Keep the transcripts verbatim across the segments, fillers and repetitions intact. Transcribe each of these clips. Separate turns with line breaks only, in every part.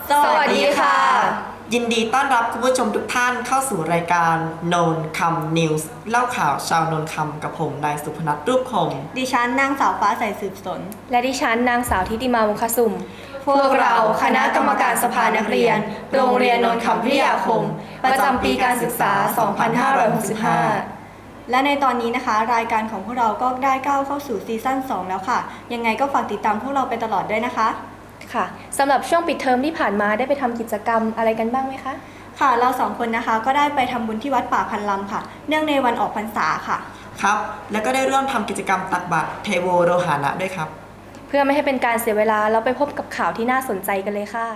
สวัสดีค่ะ
ยินดีต้อนรับคุณผู้ชมทุกท่านเข้าสู่รายการโนนคำนิวส์เล่าข่าวชาวโนนคำกับผมนายสุพนัทรูปคง
ดิฉันนางสาวฟ้าใสสืบสน
และดิฉันนางสาวทิติมาวงคสุม
พวกเราคณะกรรมการสภานักเรียนโรงเรียนโนนคำพิทยาคมประจำปีการศึกษา สองพันห้าร้อยหกสิบห้า และในตอนนี้นะคะรายการของพวกเราก็ได้ก้าวเข้าสู่ซีซั่นสองแล้วค่ะยังไงก็ฝากติดตามพวกเราไปตลอดด้วยนะคะ
ค่ะสำหรับช่วงปิดเทอมที่ผ่านมาได้ไปทำกิจกรรมอะไรกันบ้างไหมคะ
ค่ะเราสองคนนะคะก็ได้ไปทำบุญที่วัดป่าพันลำค่ะเนื่องในวันออกพรรษาค่ะ
ครับแล้วก็ได้ร่วมทำกิจกรรมตักบาตรเทโวโรหานะด้วยครับ
เพื่อไม่ให้เป็นการเสียเวลาเราไปพบกับข่าวที่น่าสนใจกันเลยค่ะ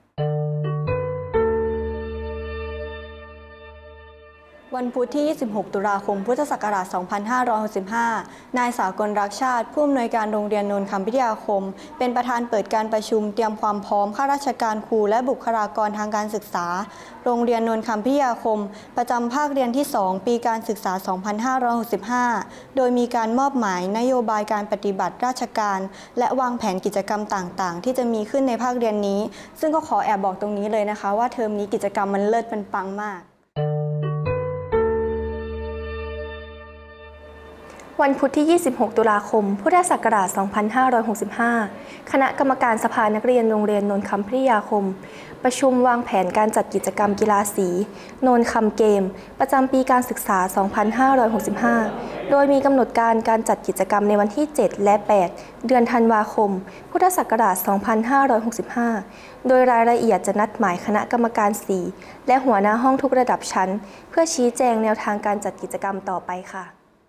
วันพุธที่ ยี่สิบหก ตุลาคม พุทธศักราช สองพันห้าร้อยหกสิบห้า นายสากลรักชาติผู้อำนวยการโรงเรียนโนนคำพิทยาคมเป็นประธานเปิดการประชุมเตรียมความพร้อมข้าราชการครูและบุคลากรทางการศึกษาโรงเรียนโนนคำพิทยาคมประจำภาคเรียนที่ สอง ปีการศึกษา สองพันห้าร้อยหกสิบห้า โดยมีการมอบหมายนโยบายการปฏิบัติราชการและวางแผนกิจกรรมต่างๆที่จะมีขึ้นในภาคเรียนนี้ซึ่งก็ขอแอบบอกตรงนี้เลยนะคะว่าเทอมนี้กิจกรรมมันเลิศมันปังมาก
วันพุธที่ ยี่สิบหก ตุลาคม พุทธศักราช สองพันห้าร้อยหกสิบห้า คณะกรรมการสภานักเรียนโรงเรียนโนนคำพิทยาคมประชุมวางแผนการจัดกิจกรรมกีฬาสีโนนคำเกมประจำปีการศึกษา สองพันห้าร้อยหกสิบห้า โดยมีกำหนดการการจัดกิจกรรมในวันที่ เจ็ด และ แปด เดือนธันวาคม พุทธศักราช สองพันห้าร้อยหกสิบห้า โดยรายละเอียดจะนัดหมายคณะกรรมการสีและหัวหน้าห้องทุกระดับชั้นเพื่อชี้แจงแนวทางการจัดกิจกรรมต่อไปค่ะ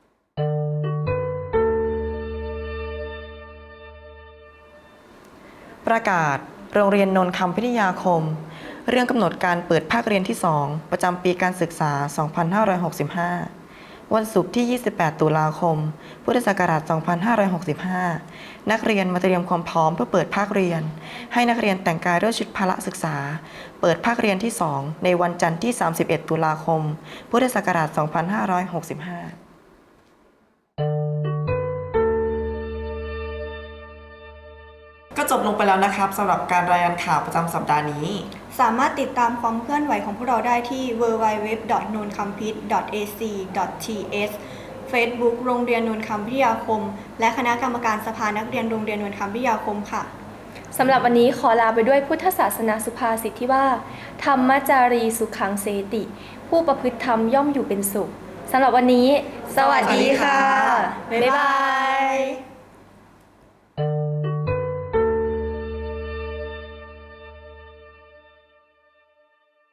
ประกาศโรงเรียนโนนคำพิทยาคมเรื่องกำหนดการเปิดภาคเรียนที่ สอง ประจำปีการศึกษา สองพันห้าร้อยหกสิบห้า วันศุกร์ที่ ยี่สิบแปด ตุลาคม พุทธศักราช สองพันห้าร้อยหกสิบห้า นักเรียนมาเตรียมความพร้อมเพื่อเปิดภาคเรียนให้นักเรียนแต่งกายด้วยชุดพละศึกษาเปิดภาคเรียนที่ สอง ในวันจันทร์ที่ สามสิบเอ็ด ตุลาคม พุทธศักราช สองพันห้าร้อยหกสิบห้าก็จบลงไปแล้วนะครับสำหรับการรายงานข่าวประจำสัปดาห์นี้
สามารถติดตามความเคลื่อนไหวของพวกเราได้ที่ ดับเบิลยู ดับเบิลยู ดับเบิลยู ดอท โนนคัมพิท ดอท เอ ซี ดอท ที เอส Facebook โรงเรียนโนนคำพิทยาคมและคณะกรรมการสภานักเรียนโรงเรียนโนนคำพิทยาคมค่ะ
สำหรับวันนี้ขอลาไปด้วยพุทธศาสนาสุภาษิตที่ว่าธรรมจารีสุขังเสติผู้ประพฤติธรรมย่อมอยู่เป็นสุขสำหรับวันนี้สวัสดีค่ะบ๊ายบาย